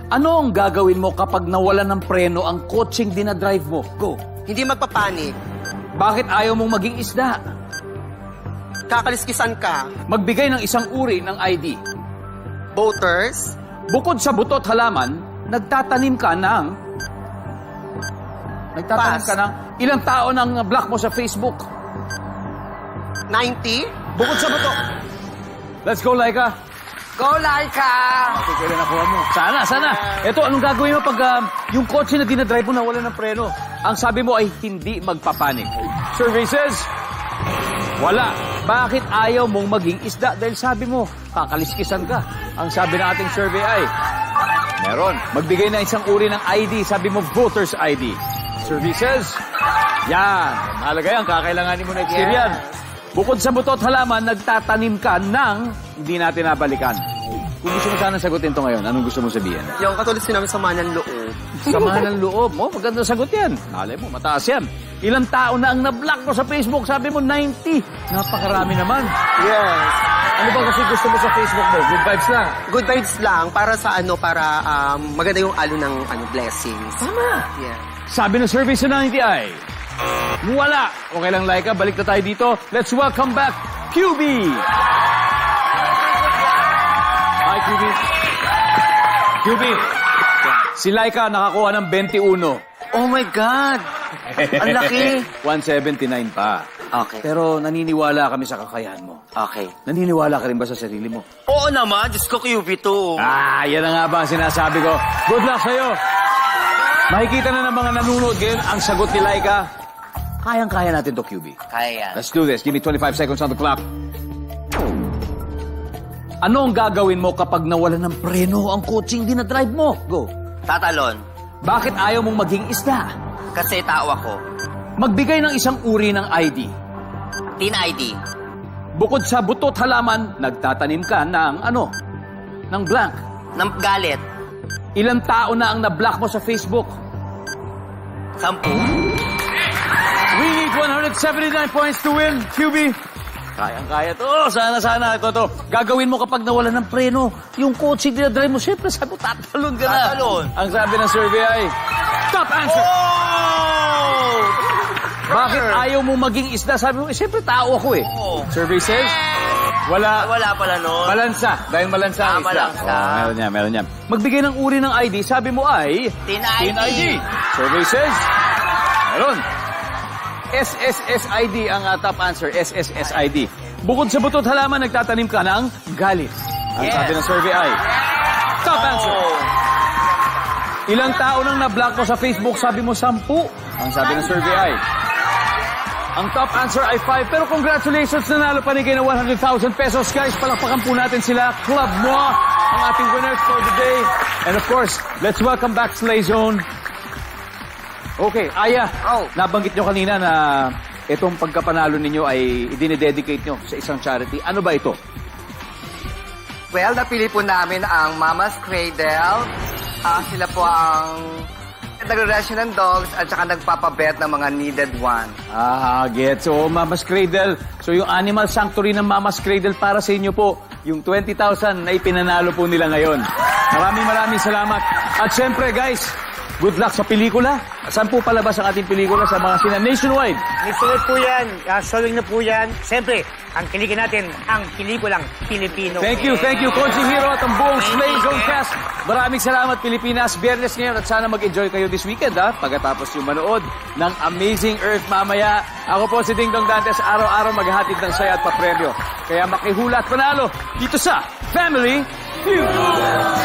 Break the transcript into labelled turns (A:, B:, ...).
A: Ano ang gagawin mo kapag nawalan ng preno ang coaching dinadrive mo? Go.
B: Hindi magpapanik.
A: Bakit ayaw mong maging isda?
B: Kakaliskisan ka.
A: Magbigay ng isang uri ng ID.
B: Voters.
A: Bukod sa butot halaman, nagtatanim ka ng...
B: Pass.
A: Ilang tao ng block mo sa Facebook?
B: 90.
A: Bukod sa buto. Let's go, Laika.
B: Go, Laika!
A: Okay, kailan nakuha mo? Sana. Ito, anong gagawin mo pag yung kotse na dinadrive mo nawala ng preno? Ang sabi mo ay hindi magpapanik. Survey says, wala. Bakit ayaw mong maging isda? Dahil sabi mo, kakaliskisan ka. Ang sabi ng ating survey ay, meron. Magbigay na isang uri ng ID. Sabi mo, voter's ID. Survey says, yan. Mahalaga yan. Kakailanganin mo na yan. Bukod sa butot halaman, nagtatanim ka ng hindi natin nabalikan. Kung gusto mo sana sagutin to ngayon, anong gusto mo sabihin?
B: Yung katulad sinabi sa ng loob.
A: Samahan ng loob mo, maganda sagot yan. Nalay mo, mataas yan. Ilang tao na ang na-block mo sa Facebook? Sabi mo, 90. Napakarami naman.
B: Yes.
A: Ano ba kasi gusto mo sa Facebook mo? Good vibes lang.
B: Good vibes lang para sa para maganda yung ng blessings.
A: Tama.
B: Yeah.
A: Sabi ng survey sa 90 ay, wala. Okay lang, Laika. Balik na tayo dito. Let's welcome back, QB. Hi, QB. QB. Si Laika nakakuha ng 21.
B: Oh my God! Ang laki!
A: 179 pa.
B: Okay.
A: Pero naniniwala kami sa kakayahan mo.
B: Okay.
A: Naniniwala ka rin ba sa sarili mo?
B: Oo naman, Diyos ko QB to.
A: Yan na nga ba ang sinasabi ko. Good luck sa'yo. Makikita na ng mga nanonood ngayon ang sagot ni Laika. Kayang-kaya natin to, QB.
B: Kaya.
A: Let's do this. Give me 25 seconds on the clock. Ano ang gagawin mo kapag nawala ng preno ang coaching dinadrive mo? Go.
B: Tatalon.
A: Bakit ayaw mong maging isda?
B: Kasi tao ako.
A: Magbigay ng isang uri ng ID.
B: Teen ID.
A: Bukod sa butot halaman, nagtatanim ka ng ano? Ng blank.
B: Ng galit.
A: Ilang tao na ang na-block mo sa Facebook?
B: 10.
A: We need 179 points to win, QB. Kayang-kaya to. Sana. Ito. Gagawin mo kapag nawala ng preno. Yung coaching dinadrive mo, siyempre sabi mo, tatalon ka na.
B: Tatalon.
A: Ang sabi ng survey ay, top answer.
B: Oh!
A: Bakit ayaw mo maging isda? Sabi mo, siyempre tao ako eh.
B: Oo.
A: Survey says, wala.
B: Wala pala nun.
A: Malansa. Dahil malansa ang isda.
B: Malansa.
A: Meron yan. Magbigay ng uri ng ID. Sabi mo ay,
B: Teen ID.
A: Survey says, meron. SSSID ang top answer. SSSID. Bukod sa butot halaman, nagtatanim ka ng galit. Ang sabi ng survey ay, top answer. Ilang tao nang na-block mo sa Facebook? Sabi mo, 10. Ang sabi ng survey ay, ang top answer ay 5. Pero congratulations, nanalo pa ni kayo ng 100,000 pesos. Guys, palakpakan po natin sila. Club mo ang ating winners for the day. And of course, let's welcome back Slay Zone. Okay, Aya, nabanggit nyo kanina na itong pagkapanalo ninyo ay idinededicate nyo sa isang charity. Ano ba ito?
C: Well, napili po namin ang Mama's Cradle. Sila po ang nagre-rescue ng dogs at saka nagpapabet ng mga needed one.
A: Gets. So, Mama's Cradle. So, yung Animal Sanctuary ng Mama's Cradle para sa inyo po, yung 20,000 na ipinanalo po nila ngayon. Maraming salamat. At syempre, guys, good luck sa pelikula. Saan po palabas ang ating pelikula sa mga sina nationwide?
D: Nationwide po yan. Showing na po yan. Siyempre, ang kiligin natin, ang pelikulang Pilipino.
A: Thank you, Coaching Hero at ang buong Slay Zone cast. Maraming salamat, Pilipinas. Biyernes ngayon at sana mag-enjoy kayo this weekend, ha? Pagkatapos yung manood ng Amazing Earth mamaya. Ako po si Ding Dong Dantes. Araw-araw maghahatid ng saya at papremyo. Kaya makihula at panalo dito sa Family Feud.